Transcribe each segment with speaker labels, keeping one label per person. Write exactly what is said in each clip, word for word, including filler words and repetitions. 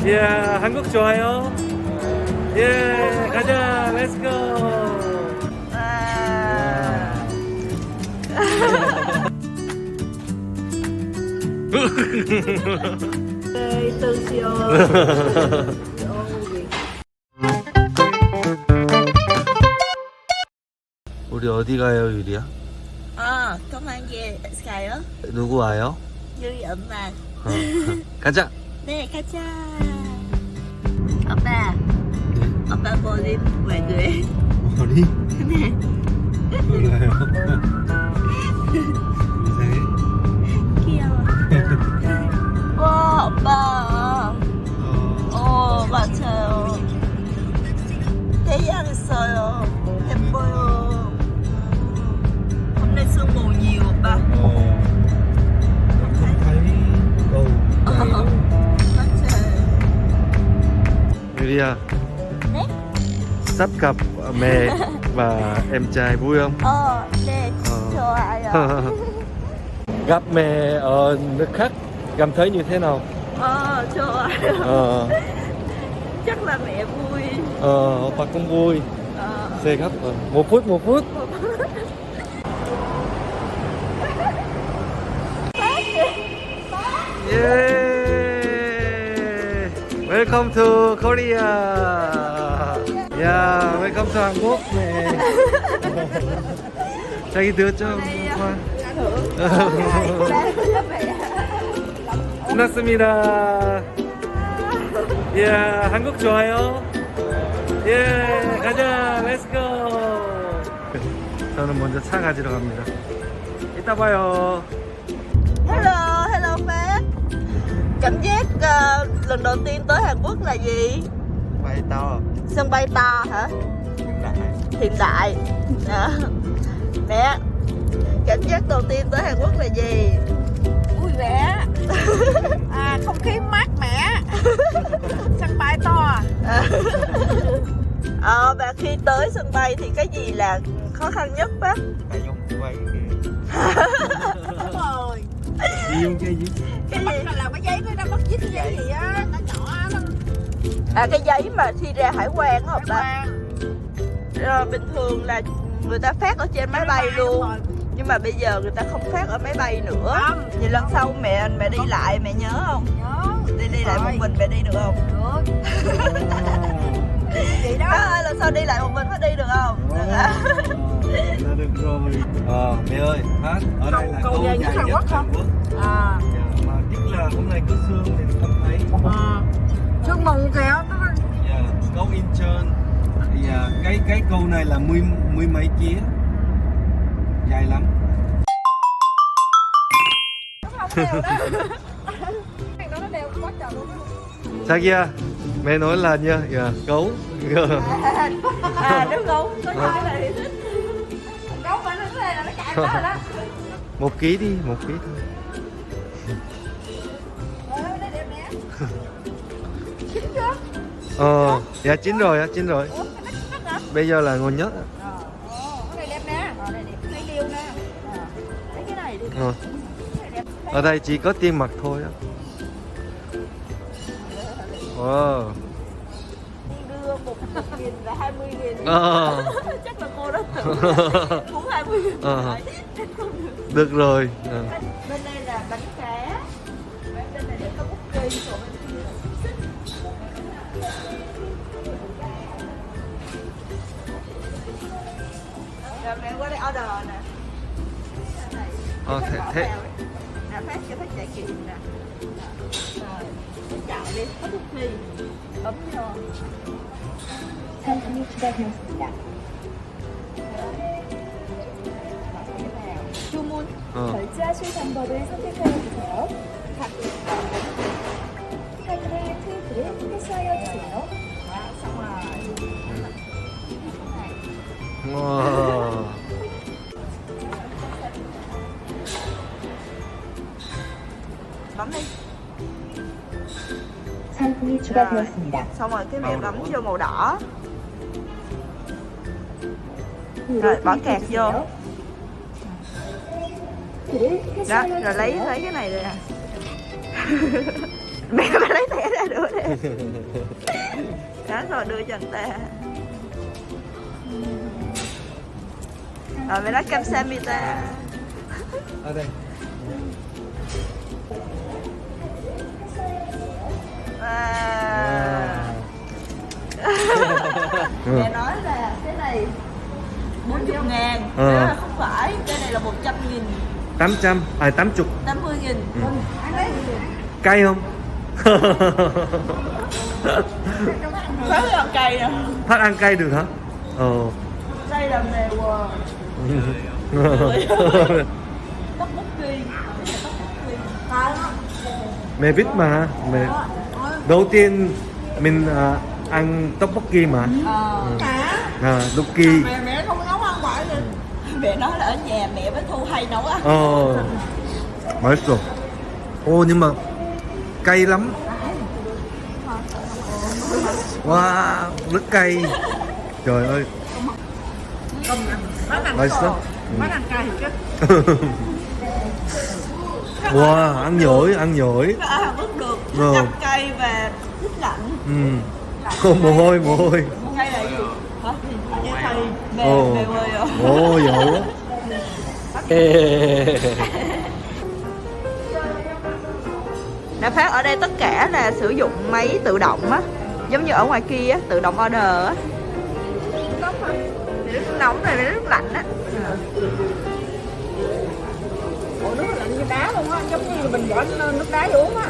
Speaker 1: 예, 한국 좋아요? 예, 가자, 렛츠고!
Speaker 2: Từ chiều
Speaker 1: 우리 어디 가요, 유리야?
Speaker 2: 어, công an về 가요?
Speaker 1: 누구 와요?
Speaker 2: 유리 엄마.
Speaker 1: 어, 가자!
Speaker 2: 네, 가자. 오빠, 오빠 머리 왜 그래?
Speaker 1: 머리?
Speaker 2: 네.
Speaker 1: 몰라요. 이상해?
Speaker 2: 귀여워. 와, 오빠. 어, 맞아요. 태양했어요. 예뻐요. hôm nay sương mù nhiều 오빠.
Speaker 1: 어. không thấy cầu
Speaker 2: 맞아요.
Speaker 1: Yuria,
Speaker 2: 네?
Speaker 1: sắp gặp mẹ và em trai vui không?
Speaker 2: 어, 네,
Speaker 1: 어.
Speaker 2: 좋아요.
Speaker 1: Gặp mẹ ở nước khác cảm thấy như thế nào?
Speaker 2: 어, 좋아요.
Speaker 1: Ờ,
Speaker 2: chắc là mẹ vui.
Speaker 1: ờ, opa cũng vui.
Speaker 2: Ờ.
Speaker 1: Xe gấp rồi. Một phút, một phút. Yeah! Welcome to Korea. Yeah, welcome to 한국. 네. 자기 들었죠? 끝났습니다. 예, 한국 좋아요? 예, 가자, 렛츠고. 저는 먼저 차 가지러 갑니다. 이따 봐요.
Speaker 2: Hello, hello Phát. Cảm giác uh, lần đầu tiên tới Hàn Quốc là gì?
Speaker 1: Bay to.
Speaker 2: Sân bay to hả?
Speaker 1: Hiện đại.
Speaker 2: Hiện đại. À. Mẹ, cảm giác đầu tiên tới Hàn Quốc là gì?
Speaker 3: Vui vẻ. À, không khí mát mẻ. Sân bay to.
Speaker 2: Ờ, và khi tới sân bay thì cái gì là khó khăn nhất Phát?
Speaker 1: Tại dùng quay kìa.
Speaker 3: Đúng rồi.
Speaker 1: Đi dùng cái gì?
Speaker 2: Cái
Speaker 3: Bắt
Speaker 2: gì?
Speaker 3: là làm cái giấy nó đâu bắt viết cái giấy gì á, nó nhỏ nó
Speaker 2: À, cái giấy mà khi ra hải quan á
Speaker 3: hải
Speaker 2: ta.
Speaker 3: quan.
Speaker 2: Ờ, bình thường là người ta phát ở trên máy bay luôn. Nhưng mà bây giờ người ta không phát ở máy bay nữa.
Speaker 3: Không.
Speaker 2: Vậy lần sau mẹ mẹ đi lại mẹ nhớ không?
Speaker 3: Nhớ.
Speaker 2: Đi đi lại
Speaker 3: Rồi.
Speaker 2: một mình mẹ đi được không?
Speaker 3: Được. Vậy
Speaker 2: Đó
Speaker 3: đó.
Speaker 2: ơi, lần sau đi lại một mình phải đi được không? Được hả?
Speaker 1: Là được rồi. Ờ, mẹ ơi, hát ở đây
Speaker 3: Cầu-
Speaker 1: là
Speaker 3: cầu
Speaker 1: câu
Speaker 3: dài
Speaker 1: dài
Speaker 3: nhất Hàn
Speaker 1: nhất
Speaker 3: Quốc
Speaker 1: Hàn
Speaker 3: không?
Speaker 1: Quốc.
Speaker 3: À.
Speaker 1: Dạ, mà tiếc là hôm nay có sương nên không thấy.
Speaker 3: À. Sương mù kìa. Nó
Speaker 1: Dạ, câu Incheon. Thì à, cái cái câu này là mươi mươi mấy chia, dài lắm.
Speaker 3: không đều đó. Cái đó nó đều quá trời luôn.
Speaker 1: 자기야, mẹ nói là nha, dạ, gấu.
Speaker 2: À, nước gấu có những cái này thì thích.
Speaker 3: Gấu mà nó thế là nó chạy đó rồi đó.
Speaker 1: Một ký đi, một ký thôi.
Speaker 3: Ờ, nó đẹp nè. Chín chưa?
Speaker 1: Ờ, dạ chín rồi, á, chín rồi.
Speaker 3: Ủa, cái nó chín hả?
Speaker 1: Bây giờ là ngon nhất.
Speaker 3: Ờ, cái này đẹp nè. Ờ, này đẹp, cây liêu nè. Ờ,
Speaker 2: Lấy cái này đi.
Speaker 1: Ờ.
Speaker 3: cái này đẹp.
Speaker 1: Ở đây chỉ có tiền mặt thôi á. Wow.
Speaker 2: Đi đưa một nghìn và hai mươi nghìn.
Speaker 1: Ờ.
Speaker 2: Chắc là cô đó tự muốn hai mươi nghìn.
Speaker 1: Ờ. Được rồi. Ờ.
Speaker 2: Bên đây là bánh cá. Bên này để có bút kỳ, còn bên kia là xúc xích. Rồi mẹ qua đây order nè.
Speaker 1: Ờ, thế, thế.
Speaker 2: Nè, phát cho phát trải nghiệm nè. Rồi, chọn đi, có bút kỳ. Bấm vô.
Speaker 4: 상품이 추가되었습니다.
Speaker 2: 주문.
Speaker 1: Ờ.
Speaker 4: 결제하실 방법을 선택하여 주세요. 각 사인의 테이프를 패스하여 주세요.
Speaker 2: Đó, xong rồi.
Speaker 1: Wow.
Speaker 2: Bấm đi.
Speaker 4: 상품이 추가되었습니다.
Speaker 2: Xong rồi cái mẹ bấm vô màu đỏ.
Speaker 4: 그를
Speaker 2: Rồi bỏ kẹt
Speaker 4: 클릭해
Speaker 2: vô.
Speaker 4: 주세요. 그를
Speaker 2: Đó,
Speaker 4: 패스하여
Speaker 2: rồi lấy
Speaker 4: 주세요.
Speaker 2: lấy cái này đây nè. Mẹ phải lấy thẻ ra. nữa nè. Đó rồi đưa cho anh ta. Rồi mày nói kamsahamnida.
Speaker 1: Ở đây.
Speaker 2: À. Mẹ nói là cái này bốn mươi ngàn,
Speaker 1: Ờ.
Speaker 2: đó là không phải, cái này là một trăm nghìn,
Speaker 1: tám trăm, à tám mươi.
Speaker 2: năm mươi nghìn.
Speaker 1: Cay không?
Speaker 2: Phải làm cay nè.
Speaker 1: Phát ăn cay được hả? Ờ.
Speaker 2: Đây là mèo tóc bút kỳ.
Speaker 1: Mẹ biết mà. Mẹ. Đầu tiên mình à, ăn tteokbokki mà.
Speaker 2: Ờ.
Speaker 1: À, tteokbokki.
Speaker 3: Mẹ mẹ không nấu ăn ngoại rồi.
Speaker 2: Mẹ nói là ở nhà mẹ với Thu hay nấu ăn.
Speaker 1: Ờ. 맛있어. Ô nhưng mà cay lắm. Wow, rất cay. Trời ơi.
Speaker 3: Bác ăn
Speaker 1: 맛있어?
Speaker 3: bác ăn cay chứ.
Speaker 1: Wow, ăn giỏi, ăn giỏi.
Speaker 2: À, vẫn được.
Speaker 1: Ờ.
Speaker 2: Canh cay và nước lạnh.
Speaker 1: Ừ. Không, mồ hôi, mồ hôi.
Speaker 2: Hay là gì? Hả? Như thầy mẹ
Speaker 1: Ồ.
Speaker 2: mẹ ơi à.
Speaker 1: Ồ, giỏi quá.
Speaker 2: Đã phát ở đây tất cả là sử dụng máy tự động á, giống như ở ngoài kia á, tự động order á. Nước nóng này là nước lạnh á.
Speaker 3: Ủa nước lạnh như đá luôn á, giống như mình bỏ nước đá vô uống á.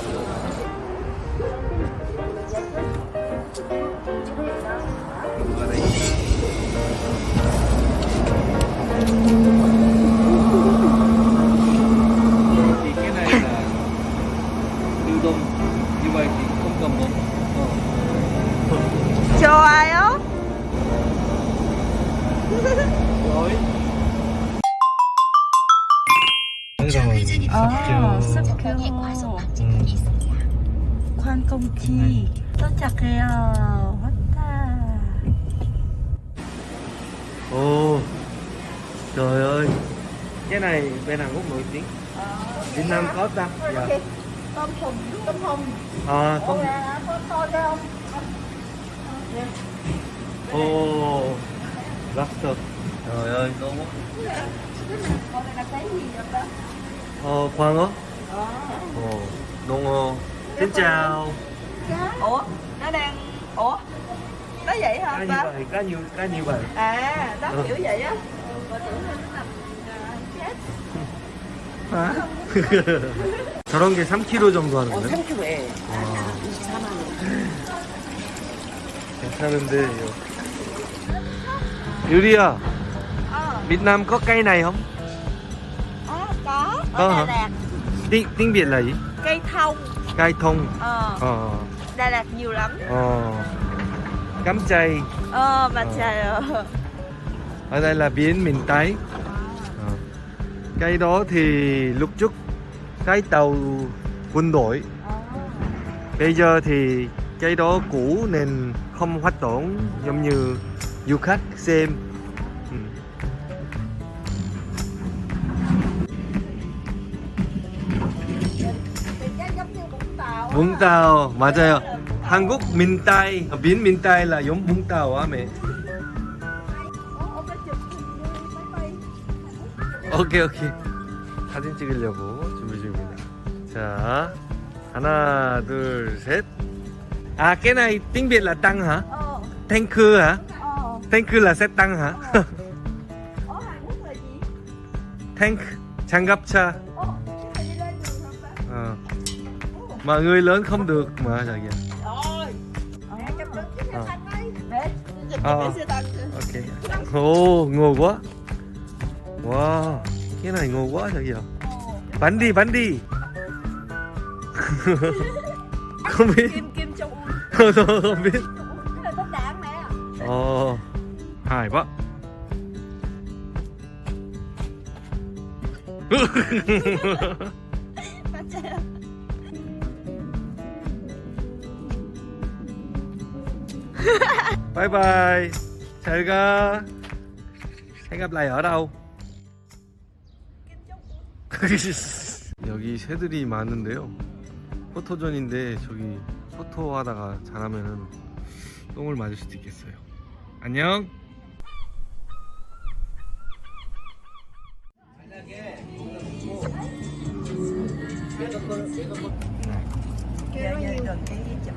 Speaker 1: Thì cái này là lưu đông như vậy thì không cầm bóng.
Speaker 2: 좋아요.
Speaker 1: Rồi.
Speaker 2: 아, 습교. 관공지. 도착해요. 왔다.
Speaker 1: Ồ. Trời ơi. Cái này bên Hàn Quốc nổi tiếng. Việt Nam có ta? Dạ.
Speaker 3: Tôm hùm, tôm hùm.
Speaker 1: À,
Speaker 3: Con
Speaker 1: không.
Speaker 3: gà, con to ra không?
Speaker 1: Ồ. Lobster. Trời ơi, ngon quá.
Speaker 3: Con này là cái gì vậy đó?
Speaker 1: Ờ, khoan á. Ồ, ngon ngon. Xin chào.
Speaker 2: Ủa, nó đang... Ủa? Nó vậy hả
Speaker 1: Cá như
Speaker 2: ba?
Speaker 1: vậy, cá như, cá như vậy.
Speaker 2: À, nó
Speaker 1: Ờ.
Speaker 2: kiểu vậy á. Bà tưởng là nó nằm chết.
Speaker 1: hả? 저런 게 삼 킬로그램 정도
Speaker 3: 어,
Speaker 1: 하는데?
Speaker 3: 삼 킬로그램에
Speaker 1: 와,
Speaker 3: 이십사만 원.
Speaker 1: 괜찮은데 이거. 유리야,
Speaker 2: Ờ,
Speaker 1: Việt Nam có cây này không?
Speaker 2: ờ, có.
Speaker 1: Có
Speaker 2: Ở
Speaker 1: hả?
Speaker 2: Đà Lạt,
Speaker 1: Tiếng, tiếng Việt là gì?
Speaker 2: cây thông.
Speaker 1: Cây thông.
Speaker 2: Ờ,
Speaker 1: Ờ,
Speaker 2: Đà Lạt nhiều lắm.
Speaker 1: ờ. Cắm chay.
Speaker 2: Ờ, mà
Speaker 1: Ờ.
Speaker 2: trời ơi.
Speaker 1: Ở đây là biển miền Tây. Ờ. Cây đó thì lúc trước cái tàu quân đội.
Speaker 2: Ờ.
Speaker 1: Bây giờ thì cây đó cũ nên không hoạt động giống như du khách xem. Ừ.
Speaker 3: Cái giống như Vũng Tàu á.
Speaker 1: Vũng Tàu 맞아요. 한국 민타이 biển miền Tây là giống Vũng Tàu á mẹ.
Speaker 3: Ủa, ông đã chụp hình như máy bay.
Speaker 1: 오케이 오케이. 사진 찍으려고 준비 중입니다. 자 하나 둘 셋. À cái này tiếng Việt là tăng hả?
Speaker 2: Ờ,
Speaker 1: Tanker hả?
Speaker 2: ờ.
Speaker 1: Tanker là xe tăng hả?
Speaker 2: Ở Hàn Quốc là gì?
Speaker 1: Tank 장갑차.
Speaker 2: Ồ, cái này đi lên đường không ba?
Speaker 1: Ờ. Mà người lớn không được mà trời kìa.
Speaker 3: Rồi. Mẹ chụp được cái
Speaker 1: Ờ.
Speaker 3: xe xanh đây.
Speaker 2: Để, chụp
Speaker 1: Ờ.
Speaker 2: cái xe tăng kìa.
Speaker 1: Ok. Ồ ngầu quá. Wow, cái này ngầu quá trời kìa. Bắn đi bắn đi. Không biết.
Speaker 2: Kim Kim Jong Un.
Speaker 1: Không biết.
Speaker 2: Cái này bom đạn mẹ.
Speaker 1: Ồ, hài quá.
Speaker 2: 맞아요.
Speaker 1: Bye bye. 잘 가. hẹn gặp lại ở đâu? 여기 새들이 많은데요. 포토존인데 저기 토토하다가 잘하면은 똥을 맞을 수도 있겠어요. 안녕.
Speaker 2: Kêu như gần cái gì chậm.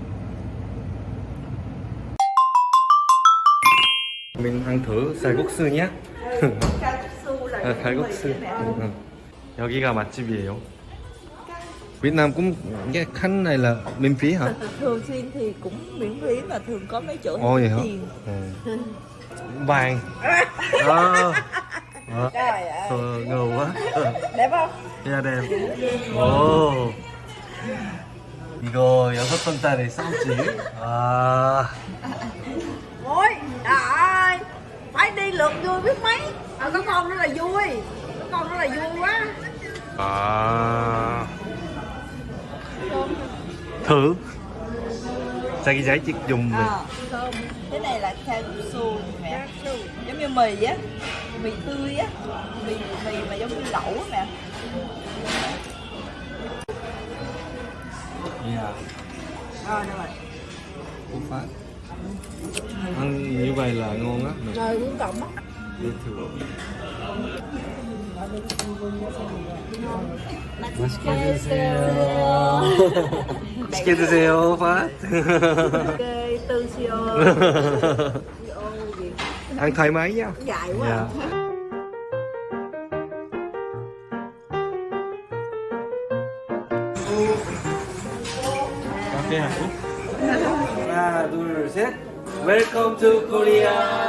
Speaker 1: mình ăn thử 쌀국수 nhé.
Speaker 2: Calcium là
Speaker 1: 아, 갈국수. 응. 여기가 맛집이에요. Việt Nam cũng cái khăn này là miễn phí hả?
Speaker 2: Thường xuyên thì cũng miễn phí mà thường có mấy chỗ
Speaker 1: Ồ vậy hả?
Speaker 2: tiền.
Speaker 1: Ừ. Vàng. À. À.
Speaker 3: Trời ơi.
Speaker 1: Ờ, ngầu quá.
Speaker 3: Đẹp không?
Speaker 1: Yeah, đẹp. 오. 이거 여섯 번짜리 쌈지. 아.
Speaker 3: Ôi, trời ơi. Phải đi lượt vui biết mấy. À, có con nữa là vui. Có con nữa là vui quá.
Speaker 1: 아. thử. 자기 잘 찍 dùng mình.
Speaker 2: À, không. Cái này là calcium mẹ. Giống như mì á, mì tươi á, mì mì mà giống như lẩu á mẹ.
Speaker 1: Yeah.
Speaker 3: Rồi, được rồi.
Speaker 1: Cú phát. Ăn như vậy là ngon á.
Speaker 3: Rồi, uống cộng á.
Speaker 1: Đi thử. 맛있게 드세요. 맛있게 드세요, phát.
Speaker 3: Ok, tư siêu.
Speaker 1: Ăn thoải mái nha.
Speaker 3: Dài quá.
Speaker 1: Dạ. Cà phê Hàn Quốc. 하나, 둘, 셋. Welcome to Korea.